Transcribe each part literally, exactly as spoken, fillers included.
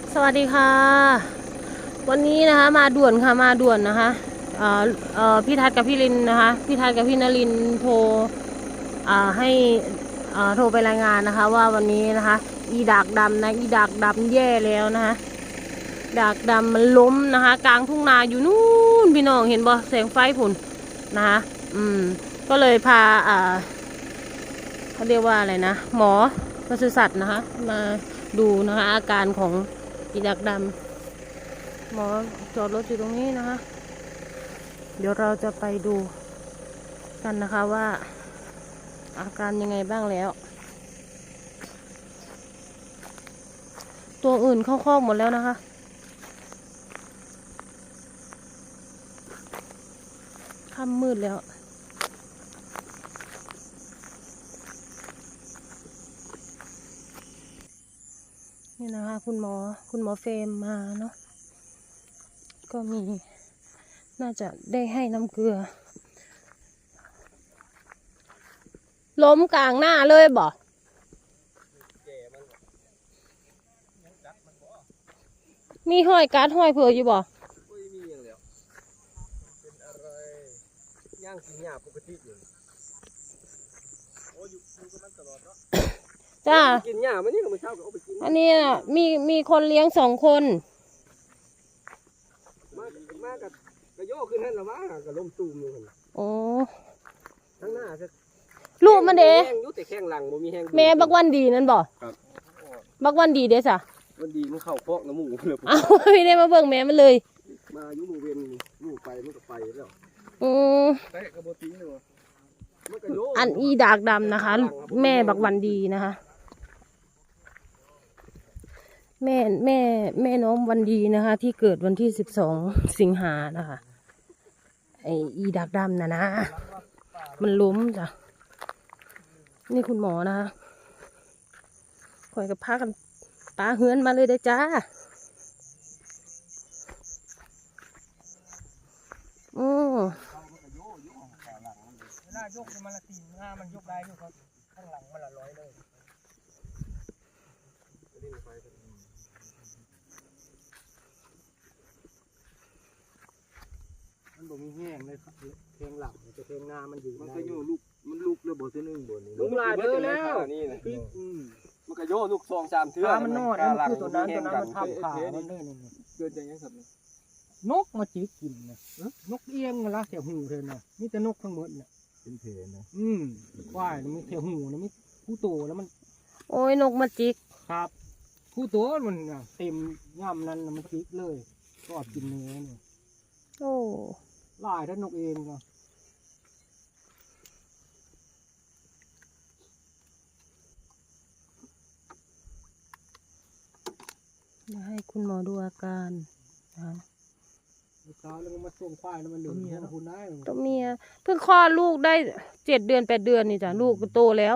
สวัสดีค่ะวันนี้นะคะมาด่วนค่ะมาด่วนนะคะเอ่อเอ่อพี่ทัศน์กับพี่ลินนะคะพี่ทัศน์กับพี่นรินโทรอ่าให้อ่าโทรไปรายงานนะคะว่าวันนี้นะคะอีดากดำนะอีดากดำแย่แล้วนะคะดากดำมันล้มนะคะกลางทุ่งนาอยู่นู่นพี่น้องเห็นบ่แสงไฟผุนนะคะอืมก็เลยพาอ่าเขาเรียกว่าอะไรนะหมอปศุสัตว์นะคะมาดูนะคะอาการของอีดากดำหมอจอดรถอยู่ตรงนี้นะคะเดี๋ยวเราจะไปดูกันนะคะว่าอาการยังไงบ้างแล้วตัวอื่นเข้าคอกหมดแล้วนะคะค่ำมืดแล้วนี่นะคะคุณหมอคุณหมอเฟรมมาเนาะก็มีน่าจะได้ให้น้ำเกลือล้มกลางหน้าเลยบ่มีห้อยการ์ดห้อยเผื่ออยู่บ่ไม่มีอย่างเดียวเป็นอะไรย่างกินหญ้าปกติอยู่โอ้อยู่อยู่กับมันตลอดเนาะจ้ากินหญ้ามันนี่ก็ไม่เช้าก็เอาไปกินอันนี้น่ะมีมีคนเลี้ยงสองคนมามากับกระโยกขึ้นนั่นละวะกับลมตูมอยู่หั่นโอ้ทั้งหน้าจะลูกมันเด้แห้งอยู่แต่แข้งหลังบ่มีแห้งแม่บักวันดีนั่นบ่ครับบักวันดีเด้อจ้ะวันดีมันเข้าคอกน้ำหมูเลยอ้าวไม่ได้มาเบิ่งแม่มันเลยมาอยู่หมู่เวียนลูกไปมันก็ไปแล้วอือแต่กระโบตีนี่วะมันกระโยกอันอีดากดำนะคะ แม่บักวันดีนะคะแม่แม่แม่น้องวันดีนะคะ ที่เกิดวันที่สิบสองสิงหานะคะไออีดากดำนะนะมันล้มจ้ะนี่คุณหมอนะคะคอยกับพากันปาเฮือนมาเลยได้จ้าอือเวลายกมันละตีนหน้ามันยกได้อยู่ครับข้างหลังมันละร้อยเลยมันบ่มีแห้งเลยครับเพลงหลังจะเพลงหน้ามันอยู่มันก็อยู่ลูกมันลูกแล้วบ่ซื้อหนึ่งบ่นี่ลูกหลายเด้อแล้วนี่นะมันก็โยลูกสองสามเทื่อมันนอดมันคือตัวนั้นตัวนั้นมันทับขามันเด้อนี่เกิดอย่างนี้ครับนกมาจิกกินนะนกเอี้ยงละแถวหูเธอน่ะมีแต่นกทั้งหมดน่ะเป็นเพลนะอืมว่ายมันแถวหูนะมีผู้โตแล้วมันโอ้ยนกมาจิกครับผู้โตมันเต็มย่ำนั้นมันจิกเลยก็กินเนื้อเนี่ยโอ้ลายท่านนกเองก็มาให้คุณหมอดูอาการนะคะเช้าแล้วมันมาส่งควายแล้วมันเหลืองคุณได้ตัวเมียเพิ่งคลอดลูกได้เจ็ดเดือนแปดเดือนนี่จ้ะลูกก็โตแล้ว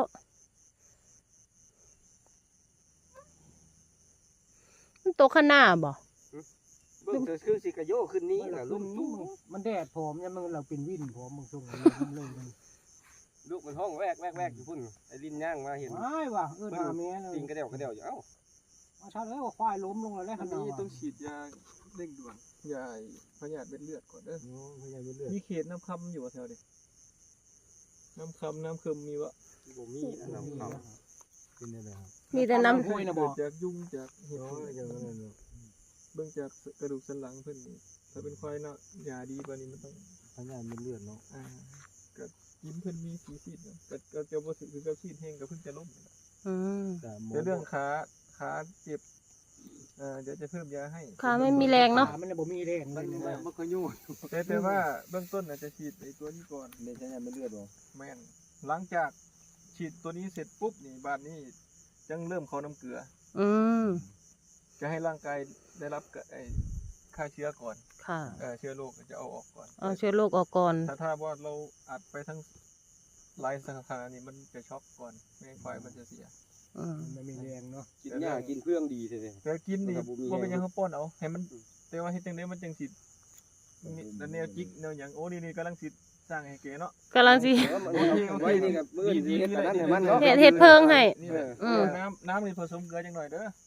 มันโตขนาดบ่เบิ่งจะคือสิกระโยขึ้นนี้แหละลูกมันแดดผอมเนี่ยมันเราเป็นวิ่นผอมบางช่วงเลยลูกมันห้องแวกแวกแวกอยู่พุ่นไอ้ลิ้นย่างมาเห็นไม่ว่ะเออหน้าแม่เลยติงกระเดี่ยวกระเดี่ยวอยู่เอ้ามาชัดเลยว่าควายล้มลงแล้วขนาดนี้ต้องฉีดยาเร่งด่วนยาพยาธิเป็นเลือดก่อนเด้อพยาธิเป็นเลือดมีเขตน้ำคำอยู่แถวนี้น้ำคำน้ำเค็มมีวะผมมีน้ำคำกินได้เลยครับมีแต่น้ำห้วยนะบอกจากยุงจากเห็ดอย่างนั้นเบื้องจากกระดูกสันหลังเพิ่นนี่ถ้าเป็นควายเนาะยาดีกว่านี้มันต้องพยาธิเป็นเลือดเนาะอ่าก็ยิ้มเพิ่นมีสีซีดเนาะก็ก็จะบ่สึกคือกับซีดแห้งก็เพิ่งจะล้มอืมแต่เรื่องขาขาเจ็บเอ่อเดี๋ยวจะเพิ่มยาให้ขาไม่มีแรงเนาะมันบ่มีแรงมันบ่ค่อยยุ่งแต่แต่ว่าเบื้องต้นอาจจะฉีดไอ้ตัวนี้ก่อนเดี๋ยวจะให้มันเลือดบ่แม่นหลังจากฉีดตัวนี้เสร็จปุ๊บนี่บาดนี้จังเริ่มเข้าน้ำเกลืออืมจะให้ร่างกายได้รับไอ้ฆ่าเชื้อก่อนค่ะเออเชื้อโรคจะเอาออกก่อนเอาเชื้อโรคออกก่อนถ้าถ้าว่าเราอัดไปทั้งหลายสาขานี่มันจะช็อกก่อนไม่งั้นควายมันจะเสียมันไม่แรงเนาะกินหญ้ากินเพื่องดีเลยแต่กินนี่ว่าเป็นยังเขาป้อนเอาให้มันแต่ว่าให้จังได้มันจังสิแล้วแนวจิกแนวอย่างโอ้นี่นี่กำลังสิสร้างให้เก๋เนาะกำลังสิไว้นี่กับมือดีเห็ดเห็ดเพิงให้น้ำน้ำนี่ผสมเกลือจังหน่อยเด้อ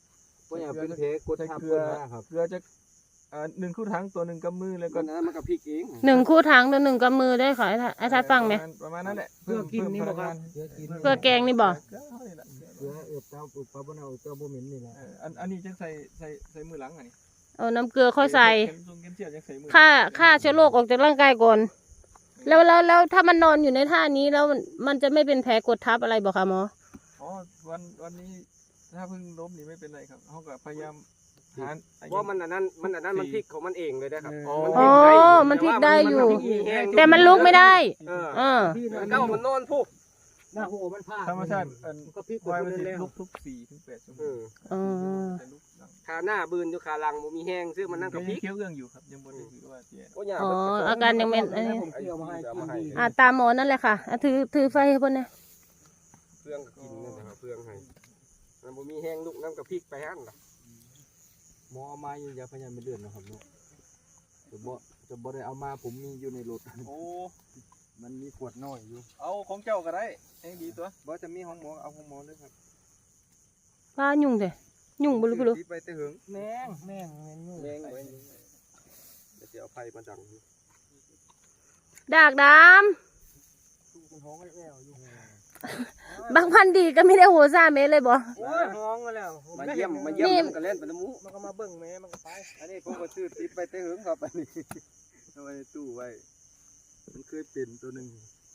เพราะอย่างเป็นเพกดทับเกลืเพื่ออครับเกลือจะอ่าหนึ่งคู่ถังตัวหนึ่งกำมือแล้วก็ก็นั้นมันก็พริกเองหนึ่งคู่ถังตัวหนึ่งกำมือได้ขอไอ้ทัดไอ้ทัดฟังไหมประาณประมาณนั้นแหละเพื่อกินนี่เพิ่บ่มครับพลังงานเพื่อกินเพื่อแกงนี่บ่เกลือเขานี่แหละเพื่อเอือบเต้าปุบปลาบ่เน่าเต้าบ่เหม็นนี่แหละเอออันอันนี้จะใส่ใส่ใส่มือหลังอันนี้เอาน้ำเกลือค่อยใส่เข็มทรงเข็มเจียวยังใส่มือฆ่าฆ่าเชื้อโรคออกจากร่างกายก่อน แล้วแล้วแล้วถ้ามันนอนอยู่ในท่านี้แล้วมันมันจะไม่เป็นแผลกดทับอะไรบอกคะหมออ๋อวันวันนี้ถ้าเพิ่งล้มนี่ไม่เป็นไรครับเขาก็พยายามหาเพราะมันอันนั้นมันอันนั้นมันพริกของมันเองเลยนะครับอ๋ออ๋อมันพลิกได้อยู่ แต่แต่มันลุกไม่ได้เออเออมันก็มันนอนผู้หน้าหัวมันพลาดธรรมชาติอันก็พริกควายมัมันนสิแล้วลุกทุกสี่ถึงแปดชั่วโมเอง ออ๋อจะลุกหลังขาหน้าบืนอยู่ขาหลังบ่มีแห้งซึ่งมันนั่นก็กับพยัริงกเคี้ยวเอื้องอยู่ครับยังบนได้ถือว่าเจียโอ้ยอ๋ออาการยังไม่เอ้ยผมเกี่ยวมาให้กินดีอ่าตามหมอนั่นแหละค่ะอ่ะถือถือไฟให้เพิ่นนะเพื่องก็กินนี่นะครับเพื่องให้มันบ่มีแห้งลูกน้ำกับพริกไปหั่นล่ะหมอเอามาอยู่ยาพยานไม่เดือนนะครับเนาะจะบ่จะบ่ได้เอามาผมมีอยู่ในรถโอ้มันมีขวดน้อยอยู่เอาของเจ้าก็ได้เองดีตัวบ่จะมีของหมอเอาของหมอด้วยครับป้ายุ่งเด้ยุ่งบ่รู้บ่รู้ไปแต่หึงแมงแมงแมงอยู่แมงไว้เดี๋ยวสิเอาไฟมาดังดากดตู้เป็นห้องแอวอยู่ำบางพันดีก็ไม่ได้โหซ่าเมตรเลยบ่โอ้ยห้องมาแล้วมาเยี่ยมมาเยี่ยมมันก็เล่นไปน้ำมูมันก็มาเบิ่งแม่มันก็ไปอันนี้ผมก็ซื้อติดไปแต่หึงครับอันนี้เอาไว้ในตู้ไว้มันเคยเป็นตัวหนึง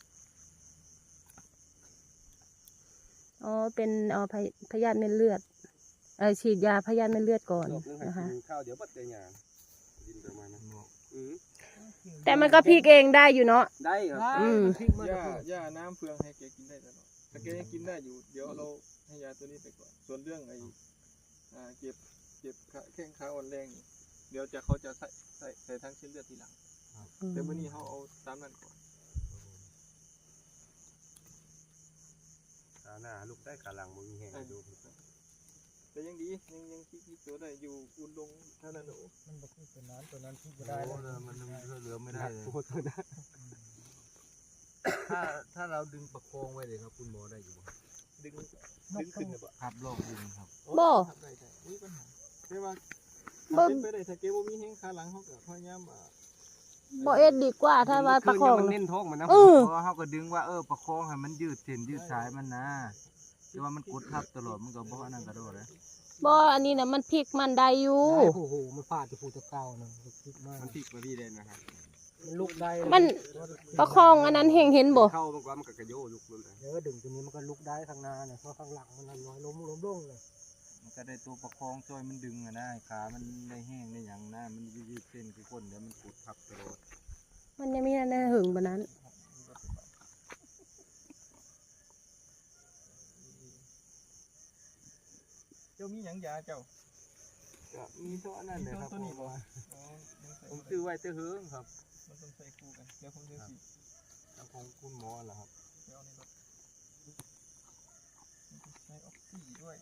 อ๋อเป็นอ๋อพยพยาธิเม็ดเลือดเออฉีดยาพยาธิเม็ดเลือดก่อนรอบนึงให้นะคะกินข้าวเดี๋ยวบัดเดียวหยาดินประมาณนั้นอือแต่มันก็พลิกเองได้อยู่เนาะได้ครับอืมพริกมันย่าย่าน้ำเฟืองให้แกกินได้ตลอดถ้าแกยังกินได้อยู่เดี๋ยวเราให้ยาตัวนี้ไปก่อนส่วนเรื่องไอ้อ่าเก็บเก็บขาแข้งขาอ่อนแรงนี่เดี๋ยวจะเขาจะใส่ใส่ใส่ทั้งเส้นเลือดทีหลังแต่เมื่อนี้เขาเอาตามนั้นก่อนขาหน้าลูกได้ขาหลังบ่มีแห้งให้ดูแต่ยังดียังยังคิดคิดตัวได้อยู่อุ่นลงเท่านั้นโอ้มันบ่คือตัวนั้นตัวนั้นพริกบ่ได้ได้แล้แล้ว วมันเหลือไม่ได้เลยถ้าถ้าเราดึงประคองไว้เลยครับคุณหมอได้อยู่ดึงดึงขึ้นเลยบ่ครับลองดึงครับบ่ทำได้ได้มีปัญหาแต่ว่าบ่เป็นไปได้ถ้าเกบ่มีแห้งขาหลังเขาก็พยายามอ่าบ่เอ็ดดีกว่าถ้าว่าประคองมันนะเน้นท้องมันนะเออเพราะว่าเขาก็ดึงว่าเออประคองให้มันยืดเส้นยืดสายมันนะแต่ว่ามันกดทับตลอดมันก็บ่อันนั้นก็โดดเลยบ่อันนี้นะมันพลิกมันได้อยู่โอ้โหมันฟาดจะพูดจะเก่านะพริกมากมันพลิกมาพี่เด่นนะครับมันลุกได้มันประคองอันนั้นเห็นเห็นบ่เข้ามันก็มันก็กระโยลุกเลยเดี๋ยวดึงตัวนี้มันก็ลุกได้ข้างหน้าเนี่ยเพราะข้างหลังมันลอยล้มล้มลงเลยมันก็ได้ตัวประคองช่วยมันดึงอะนะขามันได้แห้งได้หยังนะมันยืดเส้นคือคนเดี๋ยวมันกดทับตลอดมันยังมีอันนั้นหึงปานนั้นเจ้ามีหยังยาเจ้ามีเท่านั้นเลยครับตัวนี้บ่อ๋อผมซื้อไว้แต่เฮิงครับมันต้องใส่คู่กันเดี๋ยวผมจะสิของคุณหมอเหรอครับเดี๋ยวนี่รถใส่ออกซิด้วย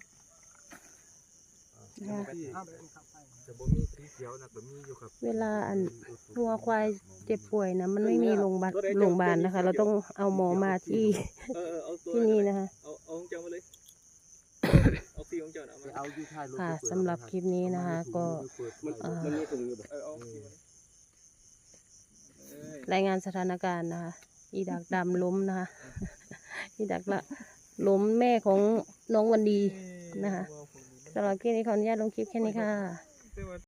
จะบ่มีสีเขียวนะก็มีอยู่ครับเวลาอันวัวควายเจ็บป่วยนะมันไม่มีโรงพยาบาลโรงพยาบาลนะคะ เราต้องเอาหมอมาที่เออเออเอาตัวที่นี่นะคะเอาเอาของเจ้ามาเลยเอาสีของเจ้าน่ะเอามาเอาอยู่ท้ายรถค่ะสำหรับคลิปนี้นะคะ ก็มันมันมีถุงอยู่บ่เออเอาสีมาเลยเอ้ยรายงานสถานการณ์นะคะ อีดักดำล้มนะคะ อีดักละล้มแม่ของน้องวันดีนะคะสำหรับคลิปนี้ขออนุญาตลงคลิปแค่นี้ค่ะ